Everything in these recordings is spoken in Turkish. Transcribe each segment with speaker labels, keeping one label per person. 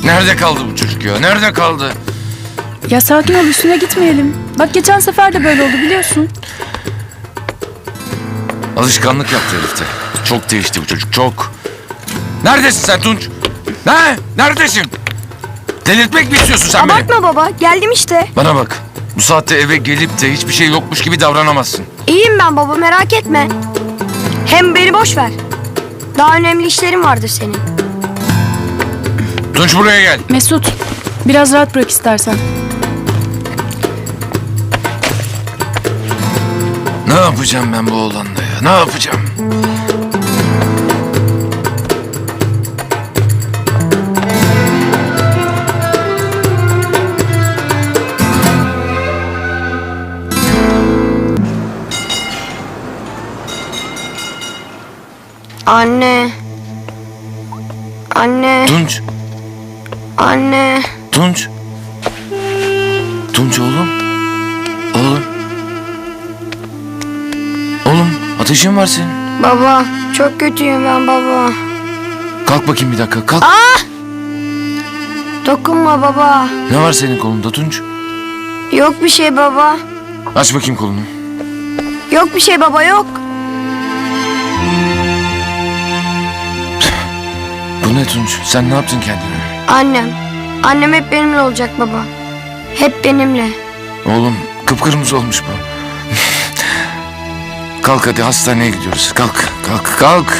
Speaker 1: Nerede kaldı bu çocuk ya? Nerede kaldı?
Speaker 2: Ya sakin ol, üstüne gitmeyelim. Bak geçen sefer de böyle oldu biliyorsun.
Speaker 1: Alışkanlık yaptı herifte. Çok değişti bu çocuk, çok. Neredesin sen Tunç? Ne? Neredesin? Delirtmek mi istiyorsun sen beni?
Speaker 3: Abartma baba, geldim işte.
Speaker 1: Bana bak. Bu saatte eve gelip de hiçbir şey yokmuş gibi davranamazsın.
Speaker 3: İyiyim ben baba, merak etme. Hem beni boş ver. Daha önemli işlerin vardır senin.
Speaker 1: Tunç buraya gel.
Speaker 2: Mesut, biraz rahat bırak istersen.
Speaker 1: Ne yapacağım ben bu oğlanla ya? Ne yapacağım?
Speaker 3: Anne. Anne.
Speaker 1: Tunç.
Speaker 3: Anne.
Speaker 1: Tunç. Tunç oğlum. Oğlum. Oğlum ateşin var senin.
Speaker 3: Baba, çok kötüyüm ben baba.
Speaker 1: Kalk bakayım bir dakika kalk.
Speaker 3: Dokunma baba.
Speaker 1: Ne var senin kolunda Tunç?
Speaker 3: Yok bir şey baba.
Speaker 1: Aç bakayım kolunu.
Speaker 3: Yok bir şey baba, yok.
Speaker 1: Bu ne Tunç? Sen ne yaptın kendine?
Speaker 3: Annem. Annem hep benimle olacak baba. Hep benimle.
Speaker 1: Oğlum kıpkırmızı olmuş bu. Kalk hadi hastaneye gidiyoruz. Kalk kalk kalk.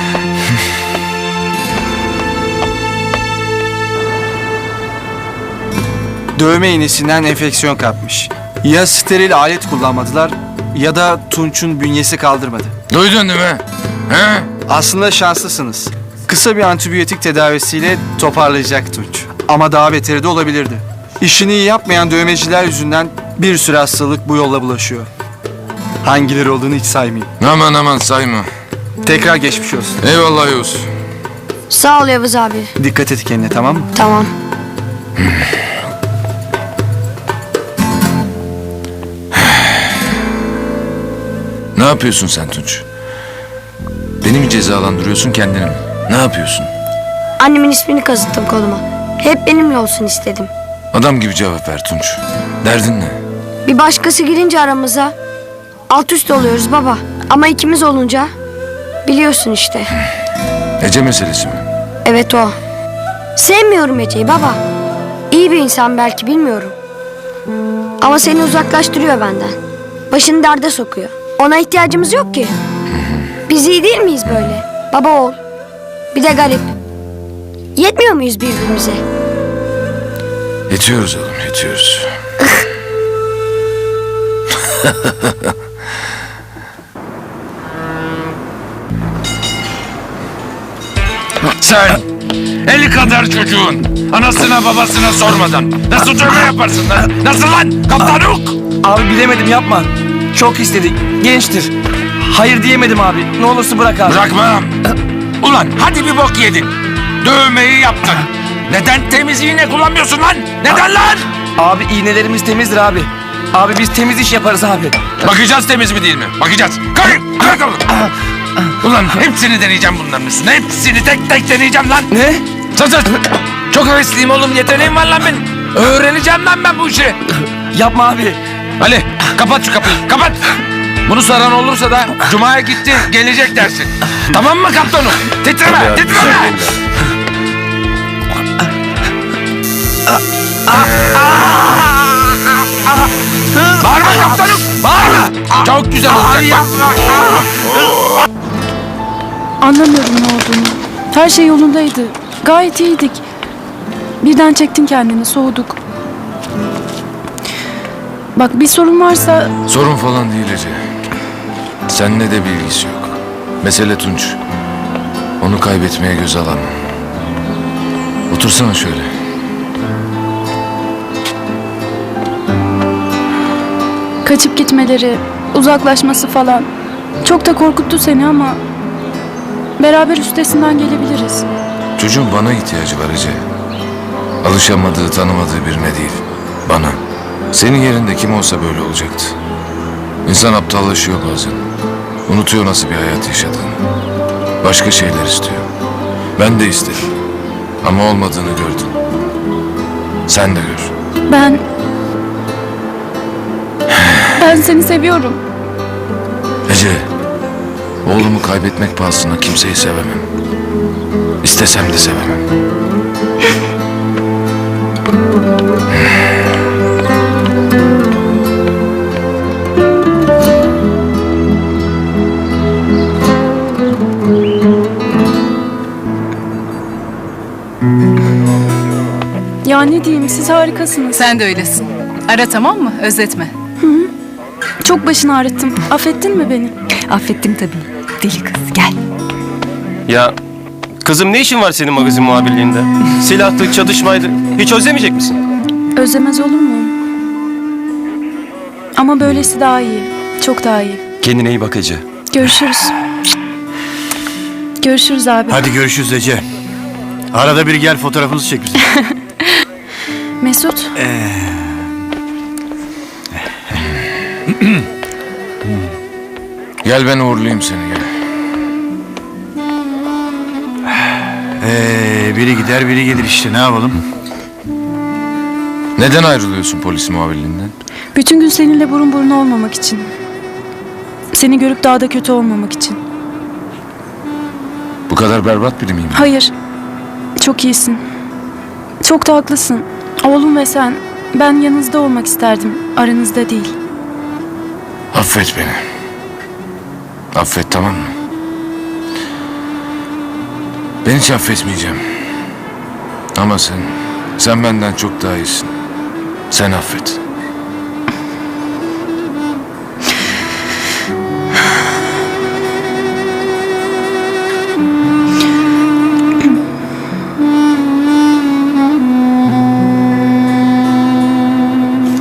Speaker 4: Dövme iğnesinden enfeksiyon kapmış. Ya steril alet kullanmadılar ya da Tunç'un bünyesi kaldırmadı.
Speaker 1: Duydun değil mi? He?
Speaker 4: Aslında şanslısınız. Kısa bir antibiyotik tedavisiyle toparlayacak Tunç. Ama daha beteri de olabilirdi. İşini iyi yapmayan dövmeciler yüzünden bir sürü hastalık bu yolla bulaşıyor. Hangileri olduğunu hiç saymayayım.
Speaker 1: Aman aman sayma.
Speaker 4: Tekrar geçmiş olsun.
Speaker 1: Eyvallah Yavuz.
Speaker 3: Sağ ol Yavuz abi.
Speaker 4: Dikkat et kendine, tamam mı?
Speaker 3: Tamam.
Speaker 1: Ne yapıyorsun sen Tunç? Beni mi cezalandırıyorsun kendini mi? Ne yapıyorsun?
Speaker 3: Annemin ismini kazıttım koluma. Hep benimle olsun istedim.
Speaker 1: Adam gibi cevap ver Tunç. Derdin ne?
Speaker 3: Bir başkası girince aramıza alt üst oluyoruz baba. Ama ikimiz olunca biliyorsun işte.
Speaker 1: Ece meselesi mi?
Speaker 3: Evet o. Sevmiyorum Ece'yi baba. İyi bir insan belki, bilmiyorum. Ama seni uzaklaştırıyor benden. Başını derde sokuyor. Ona ihtiyacımız yok ki. Biz iyi değil miyiz böyle? Baba oğul. Bir de garip. Yetmiyor muyuz birbirimize?
Speaker 1: Yetiyoruz oğlum yetiyoruz. Sen 50 kadar çocuğun anasına babasına sormadan nasıl dövme yaparsın lan? Nasıl lan kaptanuk?
Speaker 5: Abi bilemedim, yapma. Çok istedik. Gençtir. Hayır diyemedim abi. Ne olursa bırak abi.
Speaker 1: Bırakmam. Ulan hadi bir bok yedin. Dövmeyi yaptın. Neden temiz iğne kullanmıyorsun lan? Neden lan?
Speaker 5: Abi iğnelerimiz temizdir abi. Abi biz temiz iş yaparız abi.
Speaker 1: Bakacağız temiz mi değil mi? Bakacağız. Kalk ayakkabı. Ulan hepsini deneyeceğim bunların üstüne. Hepsini tek tek deneyeceğim lan.
Speaker 5: Ne?
Speaker 1: Sus. Çok hevesliyim oğlum. Yeteneğim var lan benim. Öğreneceğim lan ben bu işi.
Speaker 5: Yapma abi.
Speaker 1: Ali kapat şu kapıyı. Kapat. Bunu soran olursa da Cuma'ya gitti gelecek dersin. Tamam mı kaptanım? Titreme titreme. Bağırma kaptanım. Bağırma. Çok güzel olacak.
Speaker 2: Anlamıyorum ne olduğunu. Her şey yolundaydı. Gayet iyiydik. Birden çektin kendini, soğuduk. Bak bir sorun varsa
Speaker 1: Sorun falan değil Ece. Seninle de bir ilgisi yok. Mesele Tunç. Onu kaybetmeye göz alamam. Otursana şöyle.
Speaker 2: kaçıp gitmeleri, uzaklaşması falan çok da korkuttu seni ama beraber üstesinden gelebiliriz.
Speaker 1: Çocuğun bana ihtiyacı var Ece. Alışamadığı, tanımadığı birine değil. Bana. Senin yerinde kim olsa böyle olacaktı. İnsan aptallaşıyor bazen. Unutuyor nasıl bir hayat yaşadığını. Başka şeyler istiyor. Ben de istedim. Ama olmadığını gördüm. Sen de gör.
Speaker 2: Ben seni seviyorum.
Speaker 1: Ece, oğlumu kaybetmek pahasına kimseyi sevemem. İstesem de sevemem.
Speaker 2: Ya ne diyeyim, siz harikasınız.
Speaker 6: Sen de öylesin. Ara, tamam mı? Özletme.
Speaker 2: Çok başını ağrıttım. Affettin mi beni?
Speaker 6: Affettim tabii. Deli kız, gel.
Speaker 7: Ya kızım, ne işin var senin magazin muhabirliğinde? Silahtı, çatışmaydı. Hiç özlemeyecek misin?
Speaker 2: Özlemez olur muyum? Ama böylesi daha iyi. Çok daha iyi.
Speaker 7: Kendine iyi bak Ece.
Speaker 2: Görüşürüz. Görüşürüz abi.
Speaker 8: Hadi görüşürüz Ece. Arada bir gel fotoğrafımızı çek bize.
Speaker 2: Mesut.
Speaker 1: Gel ben uğurlayayım seni, gel.
Speaker 8: Biri gider biri gelir işte, ne yapalım?
Speaker 1: Neden ayrılıyorsun polis muhabirliğinden?
Speaker 2: Bütün gün seninle burun buruna olmamak için. Seni görüp daha da kötü olmamak için.
Speaker 1: Bu kadar berbat biri miyim?
Speaker 2: Hayır. Çok iyisin. Çok da haklısın. Oğlum ve sen. Ben yanınızda olmak isterdim. Aranızda değil.
Speaker 1: Affet beni. Affet, tamam mı? Ben hiç affetmeyeceğim. Ama sen benden çok daha iyisin. Sen affet.